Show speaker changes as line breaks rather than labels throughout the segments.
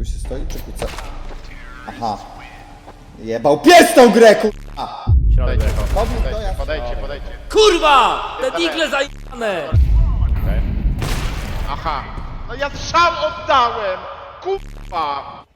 Tu się stoi, czy kuca? Aha. Jebał pies tą grę, kurwa!
Środek wjechał.
Powrót do ja.
Podejdźcie.
Kurwa! Te digle zajebane!
Aha. No ja strzał oddałem! Kurwa!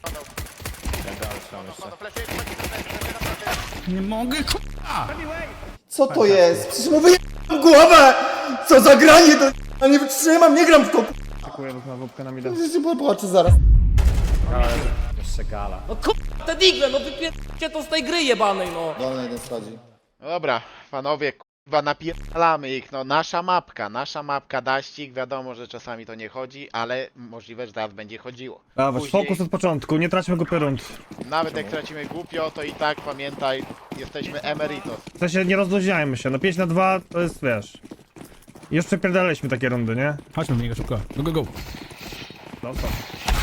Nie mogę, k***a!
Co to jest? Przecież mu wyjebałem głowę! Co za granie do... Ja nie wytrzymam, nie gram w to,
Dziękuję, bo wódkę na mida.
Przecież popłaczę zaraz.
Jeszcze gala. No kurwa, te digle, no wypierdźcie to z tej gry jebanej, no!
Dolny jeden schodzi.
No dobra, panowie, kurwa, napierdalamy ich, no nasza mapka, daścik, wiadomo, że czasami to nie chodzi, ale możliwe, że teraz będzie chodziło.
Dawać,
Później,
fokus od początku, nie traćmy go rund.
nawet jak tracimy głupio, to i tak pamiętaj, jesteśmy emeritos.
W sensie nie rozluźniajmy się, no 5 na 2 to jest, wiesz... Już przepierdaliśmy takie rundy, nie?
Chodźmy w niego szybko. Go.
No co?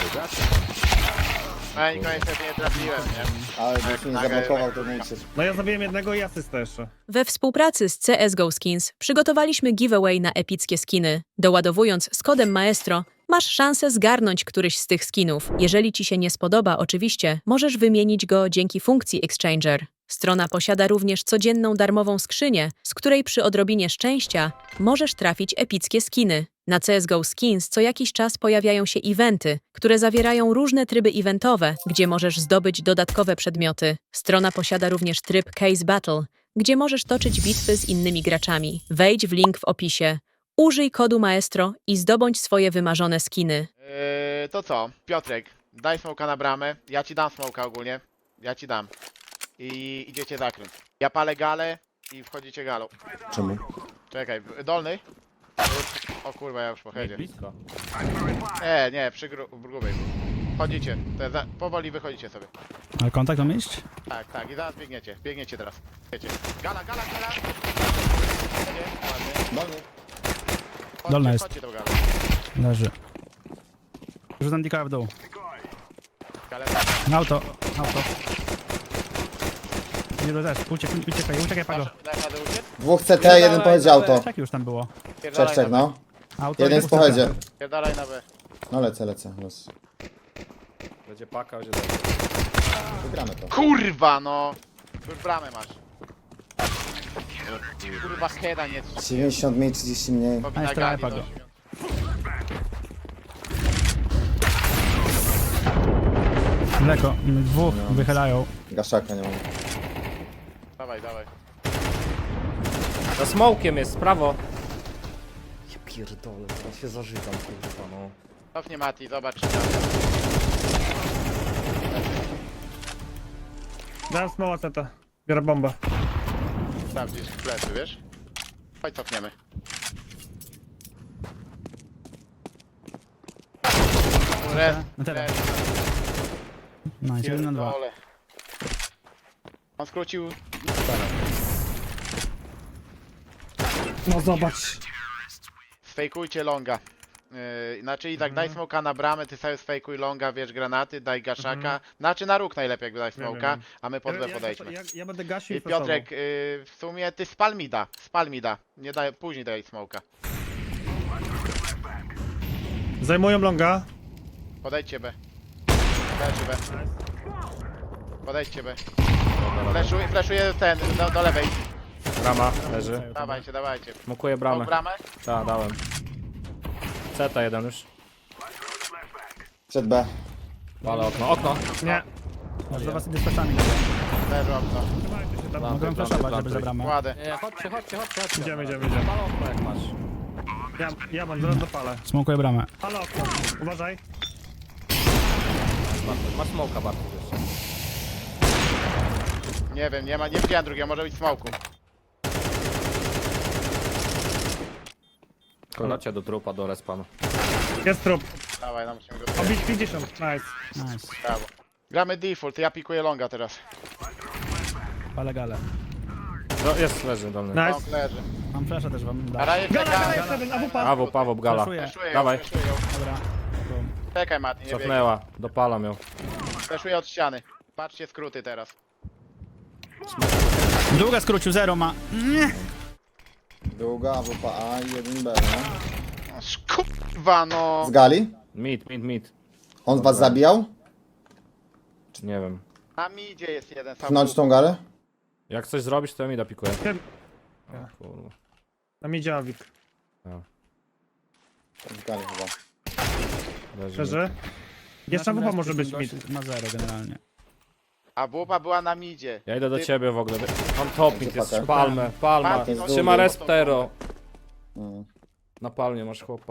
No ja nikogo niestety nie trafiłem, nie?
Ale byś mnie zablokował, to nie uciec.
No ja zabiłem jednego i asystę jeszcze.
We współpracy z CSGO Skins przygotowaliśmy giveaway na epickie skiny. Doładowując z kodem Maestro, masz szansę zgarnąć któryś z tych skinów. Jeżeli ci się nie spodoba, oczywiście, możesz wymienić go dzięki funkcji Exchanger. Strona posiada również codzienną darmową skrzynię, z której przy odrobinie szczęścia możesz trafić epickie skiny. Na CSGO Skins co jakiś czas pojawiają się eventy, które zawierają różne tryby eventowe, gdzie możesz zdobyć dodatkowe przedmioty. Strona posiada również tryb Case Battle, gdzie możesz toczyć bitwy z innymi graczami. Wejdź w link w opisie. Użyj kodu Maestro i zdobądź swoje wymarzone skiny.
To co, Piotrek, daj smoka na bramę, ja ci dam smoka ogólnie, ja ci dam. I idziecie zakręt. Ja palę galę i wchodzicie galą.
Czemu?
Czekaj, dolny? O kurwa, ja już po headzie.
Blisko.
Nie, przy grubej. Wchodzicie, powoli wychodzicie sobie.
Ale kontakt mam iść?
Tak, i zaraz biegniecie teraz. Biegniecie. Gala! Ładnie.
Dolny.
Dolna jest.
Chodźcie tą galę.
Leży. Rzucam dika w dół.
Galę.
Auto. Nie też. Uciekaj, Pago.
Dasz radę uciec?
Dwóch CT, jeden powiedział to.
Tak już tam było.
Czek, no.
Auto
Jeden
i
w pochodzie.
Pierdalaj na B.
No lecę. Los.
Będzie paka, będzie
Wygramy to.
Kurwa no! Już bramę masz. Kurwa heada nie
90 mniej, 30 mniej.
powinna
jeszcze
gali
Pago.
dać.
Mleko. Dwóch wychylają.
Gaszaka nie mam.
Dawaj.
Za smokiem jest, prawo. Ja pierdolę, teraz się zażygam, kurwa, no.
Cofnie Mati, zobacz czy tam.
Dałem smoła teta. Biorę bombę.
Sprawdzisz plecy, wiesz? Chodź cofniemy.
No teraz. Nice, 1 na 2.
Pierdolę. On skrócił.
No zobacz.
Sfejkujcie longa. Znaczy i tak daj smoka na bramę, ty sobie sfejkuj longa, wiesz, granaty, daj gaszaka. Znaczy na róg najlepiej jakby daj smoka,
wiem.
a my pod B podejdźmy.
Ja będę gasił
I Piotrek, w sumie ty spal mi da. Nie daj, później daj smoka.
Zajmują longa.
Podejdźcie B. Leży B. Podejdźcie B. Fleszuję ten, do lewej.
Brama, leży.
Dawajcie.
Smokuję
Tą
bramę.
bramę?
Tak, dałem. Ceta jeden już.
Przed B.
Ale okno.
Nie.
Do was idę z fleszami.
Leży okno.
Mogę flashować, żeby za bramę.
Kładę.
Nie, chodźcie.
Idziemy.
Pal okno jak masz.
Ja mam, zaraz dopalę.
Smokuję bramę.
Ale okno. Uważaj.
Bartosz, masz smoka, Bartosz jeszcze.
Nie wiem, nie widziałem drugiego, może być smoku.
Konacie do trupa, do respawnu.
Jest trup.
Dawaj, no musimy go
Obić 50. Nice.
Nice.
Brawo. Gramy default, ja pikuję longa teraz.
Palę galę.
No, jest, leży dolny.
Nice.
Long leży.
Mam flasha też wam
A
dać.
raje
Gala,
czeka.
jeden, AWP.
Paweł, gala.
Flashuję.
Fleszuję ją,
Dawaj.
fleszuję ją.
Dobra. Boom.
Czekaj Mati, nie biegaj.
Cofnęła, dopalam ją.
Fleszuję od ściany. Patrzcie skróty teraz.
Długa skrócił, 0 ma.
Długa, AWP A i jeden B, no.
Kurwa no.
Z gali?
Mid.
On was zabijał?
Nie wiem.
Na midzie jest jeden sam.
Pchnąć tą galę?
Jak coś zrobisz, to ja mi dopikuję.
Wiem.
O, kurwa.
Tam idzie Awik.
W galę chyba.
Leży.
Szczerze? Jeszcze
Naszym
wupa może
razem
być
ten
mid.
gość Ma 0 generalnie.
A wupa była na midzie.
Ja idę do
Ty-
ciebie w ogóle. On top mid jest.
Pakę.
Palmę, palma.
Martin,
Trzyma
on-
resptero.
Mm.
Na palmie masz chłopa.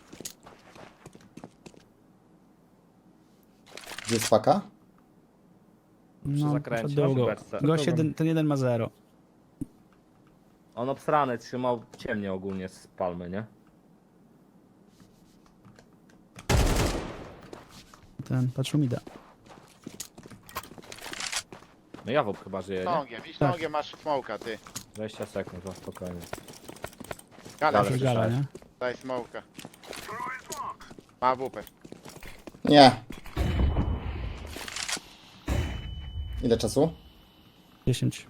Gdzie jest paka?
No,
zakręcie,
poszedł długo.
przy beczce.
Gość ten jeden ma 0.
On obsrany trzymał ciemnie ogólnie z palmy, nie?
Ten patrzył mi da.
No ja chyba żyje, nie?
Longiem, idź longiem, masz smoka, ty.
20 sekund, to spokojnie.
Gala,
Ale
Gala,
słyszałeś.
nie?
daj smoka. Ma wupę.
Nie. Ile czasu?
10.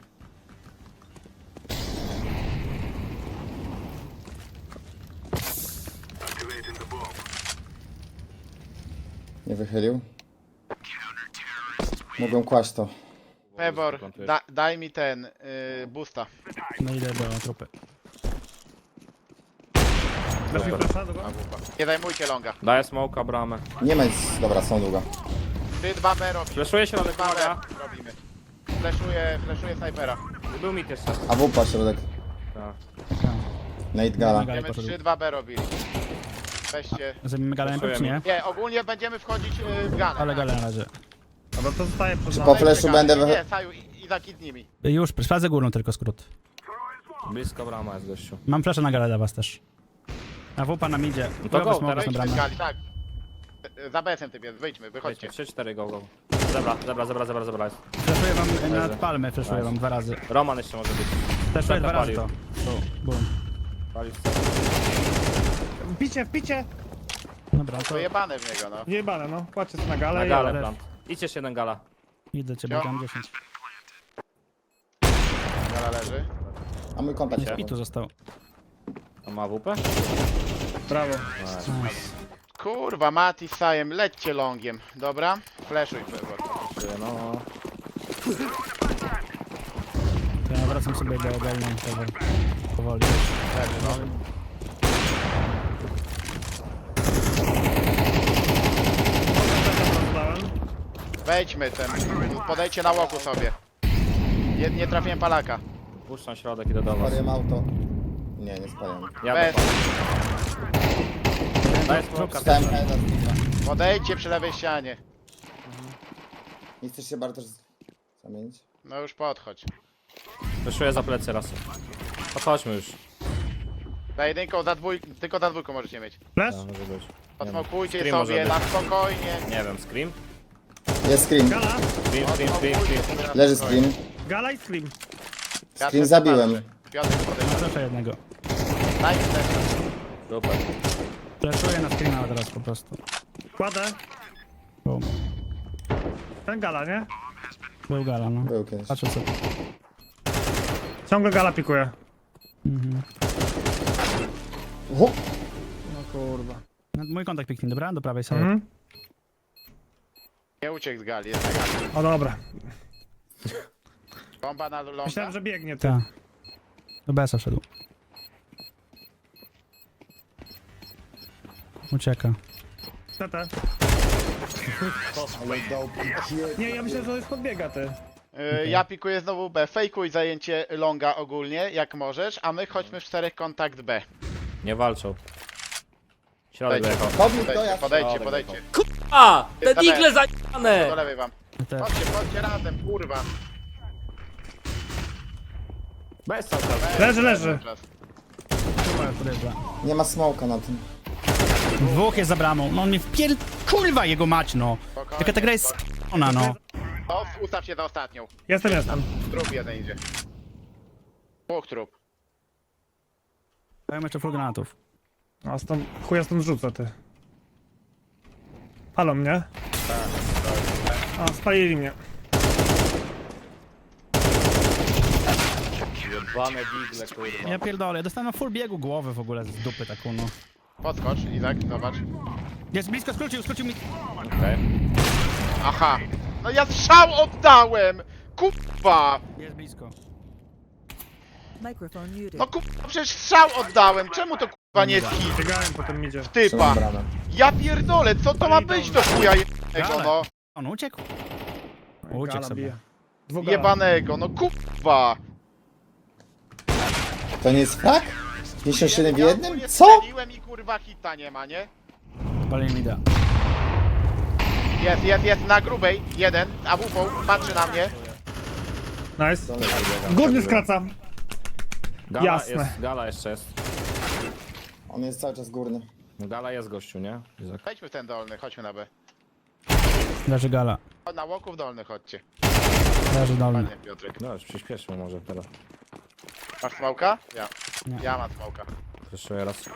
Nie wychylił. Mogę kłaść to.
Pebor, daj mi ten, boosta.
No idę do trupy.
Dasz mi flasha do go?
Ma wupa. Nie zajmujcie longa.
Daję smoka, bramę.
Nie ma nic. Dobra, są długo.
3-2B robimy.
Fleszuję się, ale
3-2B
pomaga.
robimy. Fleszuję snajpera.
Był mit jeszcze.
A wupa środek.
Tak.
Nate gala.
Galę
Będziemy
poszedł.
3-2B robili. Weźcie.
Zabijmy galę najpierw, czy nie?
Nie, ogólnie będziemy wchodzić w galę.
Ale galę na razie.
Dobra, to zostaje przed
Czy
nami.
po flashu będę
Nie, Saju, i zakid z nimi.
Już, sprawdzę górną tylko skrót.
Blisko brama jest gościu.
Mam flaszę na galę dla was też. A wupa nam idzie.
No to go,
Chujowy smoke
teraz
na
Wyjdźmy z
bramę.
gali, tak. Za BS-em typ jest, wyjdźmy, wychodźcie.
3-4 go. Zebra jest.
Flaszuję wam na
Leży.
palmę, flaszuję wam 2 razy.
Roman jeszcze może być.
Flaszuję 2 razy
palił.
to. Bum.
Palił.
Wpicie!
Dobra, to
Wyjebane w niego, no.
Jebane, no. Płaczę na galę
Na
i
galę
jadę.
plant. Idź jeszcze jeden gala.
idę ciebie,
Jo.
tam 10.
Gala leży.
A mój kontakt
I tu został.
On ma WP?
Brawo.
Kurwa, Mati z Sajem, lećcie longiem. Dobra? Flashuj, Pebor.
No.
To ja wracam sobie do dolnej tego. Powoli.
Leży, no. Wejdźmy ten, podejdźcie na łoku sobie. Nie trafiłem palaka.
Puszczam środek, idę do was.
Spaliłem auto. Nie, nie spaliłem.
Ja
Bez.
Daję smoka.
Stałem heada z nich.
Podejdźcie przy lewej ścianie.
Nie chcesz się bardzo zamienić?
No już podchodź.
Wyszuję za plecy raz. Podchodźmy już.
Za jedynką, tylko za dwójką możecie mieć.
Flash?
Ja, może być.
Posmokujcie
Scream
sobie
może
na spokojnie.
Nie wiem, scream?
Jest scream.
Gala?
Scream.
Leży scream.
Gala i scream.
Scream zabiłem.
Piotr, podejdź.
Flaszuję jednego.
Daj mi też.
Super.
Flaszuję na screena teraz po prostu.
Kładę.
Bum.
Ten gala, nie?
Był gala, no.
Był kiedyś.
Patrzę co.
Ciągle gala pikuje.
O!
No kurwa.
No, mój kontakt piknie, dobra? Do prawej sobie.
Mhm.
Nie uciekł z gali, jest na gali.
O dobra.
Bomba na longa.
Myślałem, że biegnie ty.
Tak. Do BS-a wszedł. Ucieka.
TT. Nie, ja myślę, że to jest podbiega ty.
Ja pikuję znowu B. Fejkuj zajęcie longa ogólnie, jak możesz, a my chodźmy w 4 kontakt B.
Nie walczą. Środek
Dajcie.
dojechał.
Podbił to ja.
Podejdźcie.
A! Te
Jest
digle
Do
zajebane!
lewej wam.
Te,
Chodźcie razem, kurwa.
Bez cały czas.
Leży.
podjeżdża.
Nie ma smoka na tym.
Dwóch jest za bramą. No on mnie wpier... Kurwa jego mać, no.
Spokojnie.
Tylko ta gra jest sp***ona, no.
O, ustaw się za ostatnią.
Jestem.
Trup jeden idzie. Dwóch trup.
Mają jeszcze full granatów.
A stąd, chuja stąd rzucę ty. Palą mnie? A, spalili mnie.
Jebane digle, kurwa.
Ja pierdolę, ja dostałem na full biegu głowy w ogóle z dupy taką, no.
Podskocz, Izak, zobacz.
Jest blisko, skrócił mi.
Okej.
Aha. No ja strzał oddałem! Kurwa!
Jest blisko.
Microphone muted.
No kurwa, przecież strzał oddałem! Czemu to kurwa nie jest hit?
Biegałem, potem idzie.
Typa!
Trzymam bramę.
Ja pierdolę, co to ma być do chuja jebanego, no?
On uciekł. Uciekł
Gala
sobie.
bije. Dwóch gala.
Jebanego, no kurwa!
To nie jest frak? 57 w
Ja
jednym?
ogólnie
Co?
strzeliłem i kurwa hita nie ma, nie?
Palenie mi da.
Jest, na grubej, jeden, AWP, patrzy na mnie.
Nice. Górny skraca.
Gala
Jasne.
jest, gala jeszcze jest.
On jest cały czas górny.
No gala jest gościu, nie? Izak.
Wejdźmy w ten dolny, chodźmy na B.
Leży gala.
Na łoku w dolny chodźcie.
Leży dolny.
Ładnie, Piotrek.
No już przyspieszmy może teraz.
Masz smoka? Ja.
Nie.
Ja mam smoka.
Jeszcze raz.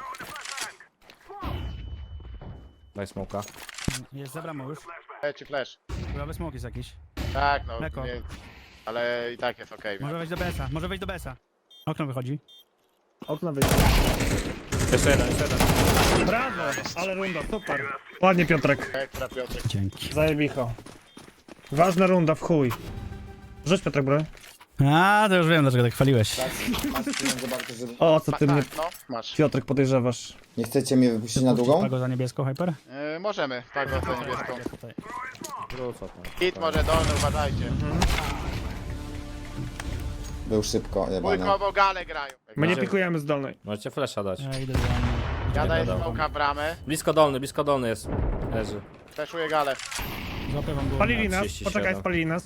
Daj smoka.
Jest za bramą już.
Ci flash.
Chyba smoke jest jakiś.
Tak, no,
Leko.
nie, ale i tak jest okej.
Może wejść do BS-a. Może wejść do BS-a. Okno wychodzi.
Okno wyjdzie.
Jeszcze jeden.
Brawo, ale runda, super. Ładnie Piotrek.
Ekstra, Piotrek.
Dzięki.
Zajebicho. Ważna runda, w chuj. Rzuć Piotrek broń.
A, to już wiem, dlaczego tak chwaliłeś.
Masz pieniądze bardzo, żeby...
O, co ty mnie,
Tak, no, masz.
Piotrek, podejrzewasz?
Nie chcecie mnie wypuścić na długą?
Pago za niebieską, Hyper?
Możemy, tak, za niebieską.
Tutaj.
Wrócę tam.
Hit może dolny, uważajcie.
Był szybko, jebany.
Dwójkowo gale grają.
My nie pikujemy z dolnej.
Możecie flasha dać.
Ja idę do mnie.
Ja daję
wiadomo.
smoka w bramę,
Blisko dolny jest. Leży.
fleszuję galę.
Złapię wam głowę.
Spalili nas,
37.
poczekaj, spalili nas.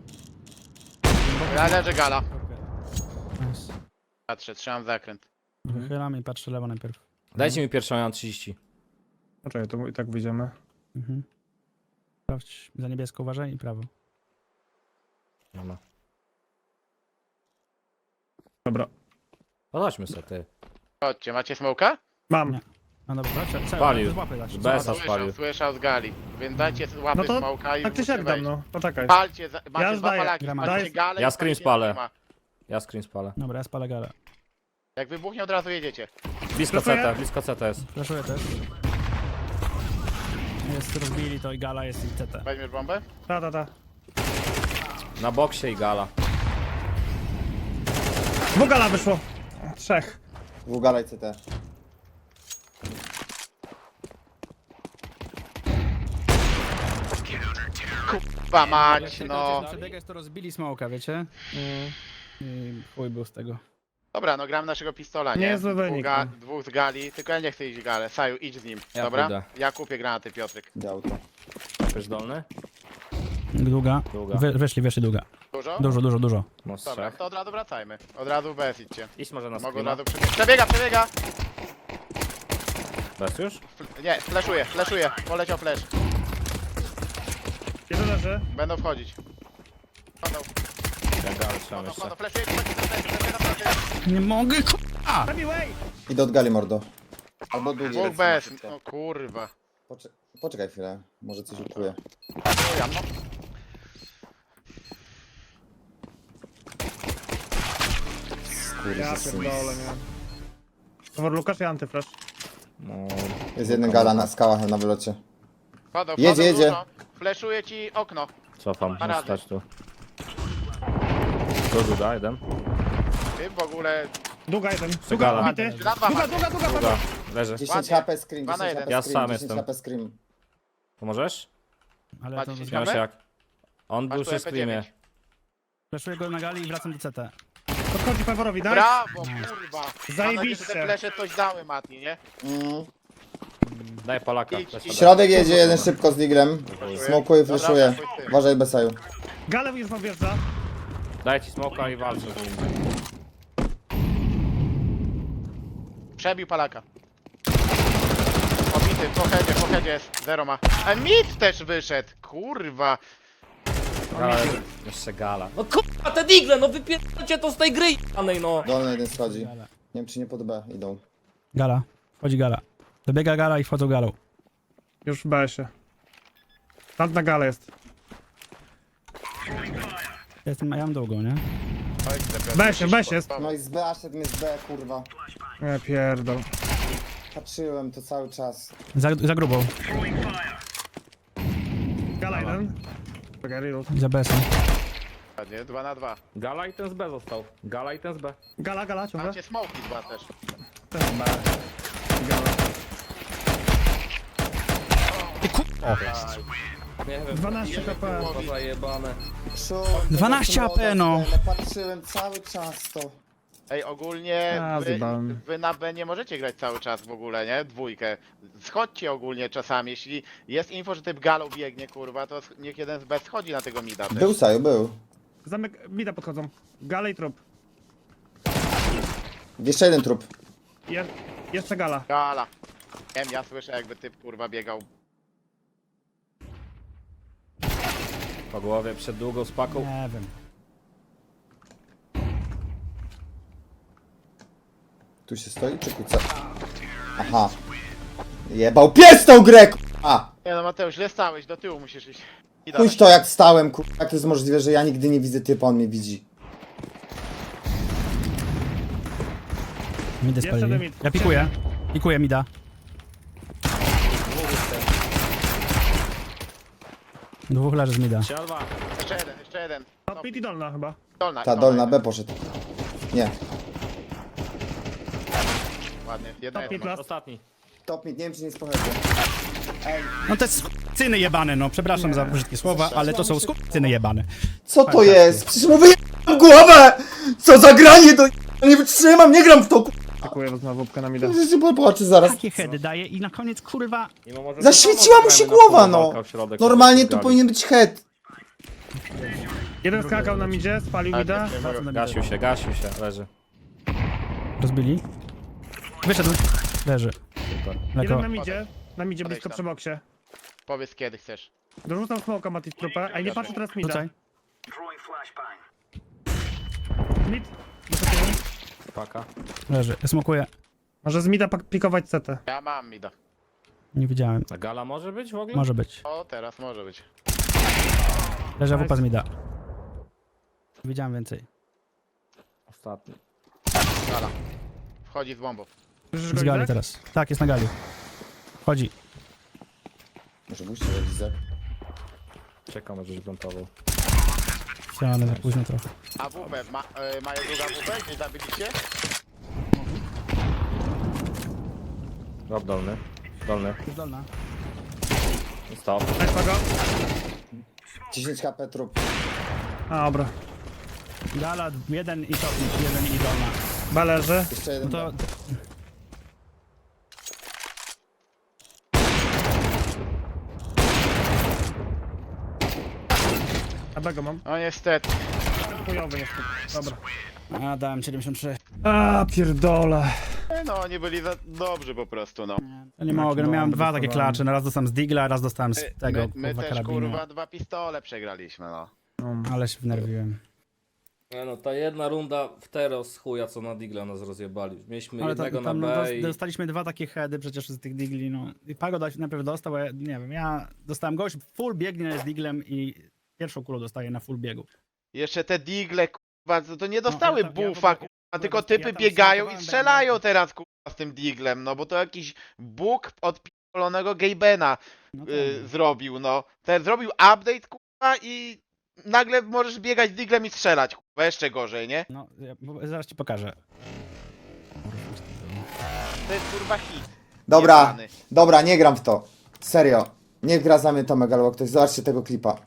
Ja leży gala.
Nice.
Patrzę, trzymam zakręt.
Wychylam i patrzę lewo najpierw.
Dajcie mi pierwszą, ja mam 30.
Poczekaj, to i tak wyjdziemy.
Mhm. Sprawdź za niebieską, uważaj i prawo.
Nie ma.
Dobra.
Chodźmy sobie, ty.
Chodźcie, macie smoka?
Mam.
Nie. No dobra, co?
Spalił.
Złapy dać.
BS-a spalił.
Słyszał z gali. Więc dajcie łapy
No to
smoka i
tak czy siak
musicie
dam,
wejść.
no. Poczekaj.
Palcie, macie
Ja
dwa
zdaję.
palaki,
Grama.
macie
Daj.
galę
Ja
i
screen
palcie
spalę.
nie ma.
Ja screen spalę.
Dobra, ja spalę galę.
Jak wybuchnie od razu jedziecie.
Blisko
Flashuję?
CT, blisko CT jest.
Flashuję też. Jest, rozbili to i gala jest i CT.
Weźmiesz bombę?
Ta.
Na boksie i gala.
Dwóch gala wyszło. Trzech.
Dwugala i CT.
Kurwa mać, no.
Przebiegać to rozbili smoka, wiecie? I chuj był z tego.
Dobra, no gram naszego pistola, nie?
Niezły wynik, no.
Dwóch z gali, tylko ja nie chcę iść w galę. Saju, idź z nim,
Ja
dobra?
pójdę.
Ja kupię granaty, Piotrek.
Dał to.
Też dolny?
Długa.
Długa.
Wyszli długa.
Dużo?
Dużo.
No z
Dobra,
trzech.
to od razu wracajmy. Od razu bez idźcie.
Idź może na
Mogę od
screena.
razu przebiega! Przebiega!
Bez już?
Nie, flashuje. Poleciał flash.
Jeden leży.
Będą wchodzić. Wchodzą,
Ja galę trzymam jeszcze.
flashuje.
Nie mogę, k***a!
Idę od gali, mordo. Albo długi.
Dwóch
lecę
bez,
szybko.
no kurwa.
Poczekaj chwilę, może coś ukryję.
Ja, no.
Ja pierdolę, nie. Towar Lukasz i antyflash.
No,
Jest jeden gala na skałach na wylocie.
Wchodzą,
Jedzie.
dużo. Flashuje ci okno.
cofam,
Parady.
muszę stać tu. Tu długa, jeden.
Ty w ogóle...
Długa jeden.
Gala.
Długa, bity.
Na dwa macie.
Długa, leży.
10
Ładnie.
HP scream,
Dwa na
10
jeden.
HP
Ja
scream,
sam
10
jestem.
HP scream.
Pomożesz?
Ale
Macie
to
się
Śmiał się jak. On był
Masz tu
przy screamie.
MP9.
flashuję go na gali i wracam do CT.
Podchodzi Peworowi, daj.
Brawo, kurwa.
Zajebiście.
Mam nadzieję, że te flesze coś dały, Mati, nie?
Daj Polaka.
Idź,
flasha
idź.
daj.
Środek jedzie jeden szybko z diglem. Smokuje, flashuje.
Dobra, chuj z tym.
Uważaj Besaju.
Gale już wam wjeżdża.
Daj ci smoka i walczę z nim.
Przebił palaka. Obity, po headzie jest, zero ma. A mit też wyszedł, kurwa.
Ale jeszcze gala. No kurwa, te digle, no wypierdolcie to z tej gry janej, no.
Dolny jeden schodzi. Nie wiem czy nie pod B idą.
Gala. Wchodzi gala. Dobiega gala i wchodzą galą.
Już w BS-ie. Tam na gale jest.
Ja mam długą, nie?
BS jest.
No i z B, aż ten jest z B, kurwa.
Nie pierdol.
Patrzyłem to cały czas.
Za grubą.
Gala jeden. Czekaj, reload.
Za besem.
Ładnie, 2 na 2.
Gala i ten z B został. Gala i ten z B.
Gala, ciągle.
Macie smoki 2 też.
Też B. Gala.
Nie wiem.
12 HP.
To zajebane.
12 AP, no.
Patrzyłem cały czas to.
Ej, ogólnie
A, zjebałem.
wy na B nie możecie grać cały czas w ogóle, nie? Dwójkę. Schodźcie ogólnie czasami, jeśli jest info, że typ galą biegnie, kurwa, to niech jeden z B schodzi na tego mida też.
Był Saju, był.
Zamek, mida podchodzą. Gala i trup.
Jeszcze jeden trup.
Jeszcze gala.
Gala. Wiem, ja słyszę jakby typ kurwa biegał.
Po głowie przed długą spaką.
Nie wiem.
Tu się stoi czy kuca? Aha. Jebał pies tą grę, k***a!
Nie no Mateusz, źle stałeś, do tyłu musisz iść. I
Pójdź to jak stałem, k***a. Jak to jest możliwe, że ja nigdy nie widzę typa, on mnie widzi.
Midę
Jeszcze
spalili.
mid.
Ja pikuję. Pikuję mida. Dwóch leży z mida.
3-2.
Jeszcze jeden.
Top mid i dolna chyba.
Dolna.
Ta dolna B poszedł. Nie.
Ładnie, jedna
Top
jest.
mid last.
Ostatni.
Top mid, nie wiem czy nie jest pochętny.
No te cyny jebane, no. Przepraszam za brzydkie słowa, ale to są cyny jebane.
Co to jest? Przecież mu wyjebałem głowę! Co za granie do... Nie wytrzymam, nie gram w to, k***a!
Dziękuję znowu łupkę na mida.
Przecież się popłaczy zaraz.
Takie heady daje i na koniec kurwa.
Mimo, że
Zaświeciła mu się
gramy na
głowa,
pół,
no.
walka w środek,
Normalnie
sobie
to
gali.
powinien być head.
Jeden skakał na midzie, spalił
Ale
mida.
nie,
Gasił się, leży.
Rozbili. Wyszedł. Leży.
Super.
Jeden
Mleko.
na midzie. Na midzie
Podejdź
blisko
tam.
przy boksie.
Powiedz kiedy chcesz.
Dorzucam smoka Mati trupę, a nie patrzę teraz mida.
Rzucaj.
Mid.
Paka.
Leży. Smokuję.
Może z mida pikować CT.
Ja mam mida.
Nie widziałem.
A Gala może być w ogóle?
Może być.
O, teraz może być.
Leży AWP z mida. Widziałem więcej.
Ostatni.
Gala. Wchodzi z bombą.
Słyszysz go,
Z gali
Izak?
teraz. Tak, jest na gali. Chodzi.
Może musi realizać.
Czekam, aż plantował.
Ale za późno trochę.
AWP, mają drugą AWP? Gdzieś zabiliście?
Rob dolny. Dolny.
Dolna.
Stop.
Weź go.
10 HP trup.
A, dobra.
Gala, jeden i topnik, jeden i dolna.
B leży.
Jeszcze
No
jeden.
to...
A B go mam.
No niestety.
Chujowy jest. Dobra.
A, dałem 73.
A, pierdole.
No oni byli za dobrzy po prostu, no.
To nie mogę, no miałem dwa takie
dostawałem.
klacze. No raz dostałem z Digla, raz dostałem z tego,
My
kurwa,
też
karabinu.
kurwa 2 pistole przegraliśmy, no.
Ale się wnerwiłem.
Nie no, ta jedna runda w Teros chuja, co na Digla nas rozjebali. Mieliśmy
Ale
jednego
tam,
na
no,
B i...
dostaliśmy dwa takie heady przecież z tych Digli, no. I Pago najpierw dostał, a ja, nie wiem, ja dostałem gość full biegnie z Diglem i pierwszą kulą dostaję na full biegu.
Jeszcze te digle, kurwa, to nie dostały
ale tam- ja
buffa,
w ogóle-
kurwa, tylko
ja
typy
tam
biegają i
startowałem
strzelają
będę.
teraz, kurwa, z tym diglem, no bo to jakiś bóg od p***lonego Gabena
No tak.
zrobił, no. Ten zrobił update, kurwa, i nagle możesz biegać diglem i strzelać, kurwa, jeszcze gorzej, nie?
No, zaraz ci pokażę.
To jest, kurwa, hit.
Dobra,
Jebany.
dobra, nie gram w to. Serio. Niech gra za mnie Tomek albo ktoś. Zobaczcie tego klipa.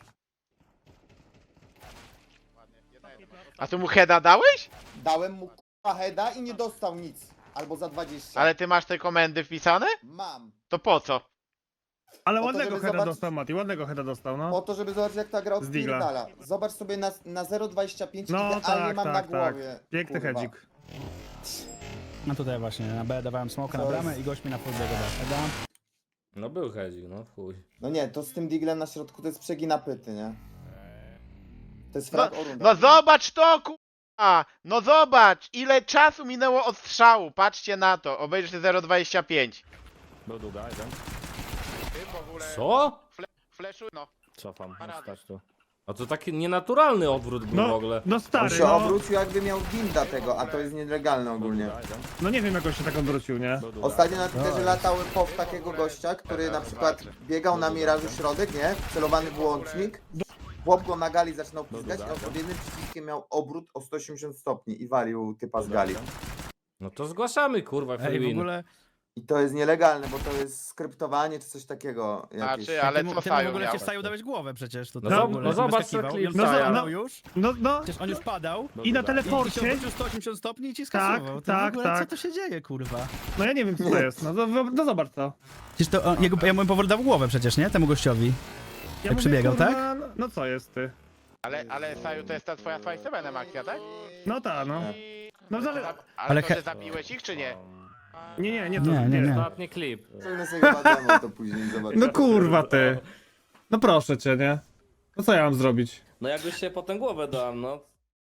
A ty mu heada dałeś?
Dałem mu k***a heada i nie dostał nic. Albo za 20.
Ale ty masz te komendy wpisane?
Mam.
To po co?
Ale
Po to,
ładnego
żeby
heada
zobaczyć-
dostał Mati, ładnego heada dostał,
Po
no.
to, żeby zobaczyć jak ta gra
Z Digla.
odpierdala. Zobacz sobie na 0,25
No
idealnie
tak,
mam na
tak, tak.
głowie.
Piękny
Kurwa.
hedzik.
No tutaj właśnie, na B dawałem smoka na
Co
bramę
jest?
i gość mi na full biegu dał heada.
No był hedzik, no chuj.
No nie, to z tym diglem na środku to jest przegina pyty, nie? To jest
No,
frak o rundę.
no zobacz to, kurwa! No zobacz, ile czasu minęło od strzału, patrzcie na to, obejrzysz 0,25.
Był długa, jeden.
Ty w ogóle
Co?
fleszuj, no.
Cofam,
Parada.
stać tu. A to taki nienaturalny odwrót był w
No,
ogóle.
no
On
stary,
się
no,
obrócił jakby miał winda tego, a to jest nielegalne ogólnie.
no nie wiem jak on się tak odwrócił, nie?
Ostatnio na Twitterze latał post takiego gościa, który na przykład biegał na mirażu środek, nie? Celowany wyłącznik. Chłop go na gali zaczynał piskać, a on pod jednym przyciskiem miał obrót o 180 stopni i walił typa z gali.
No to zgłaszamy, kurwa, free
Ej, w
win.
ogóle...
I to jest nielegalne, bo to jest skryptowanie czy coś takiego. Jakieś.
Znaczy, ale
Temu
co
w
Saju
ogóle
miał?
się Saju dałeś głowę przecież. To
No
w
zo-
ogóle
no zobacz,
wyskakiwał.
co klip
I on
Saja.
padał już.
No,
Przecież on już padał.
i na
I się
teleporcie,
obrócił 180 stopni i ci skasował. To w
tak,
ogóle,
tak.
Co to się dzieje, kurwa?
no ja nie wiem co to jest, no zobacz to.
Przecież to ja mu powoli dał głowę przecież, nie? Temu gościowi.
Ja
przebiegał,
kurwa,
tak?
No co jest ty?
Ale Saju, to jest ta twoja 27 akcja, tak?
No ta, no. No zale...
Ale
Ale
to
he-
ty zabiłeś ich, czy nie?
Nie, to
Nie.
Ostatni klip.
Zrobimy sobie chyba demo to później, zobaczymy.
No kurwa ty. No proszę cię, nie? No co ja mam zrobić?
No jakbyś się potem głowę dał, no.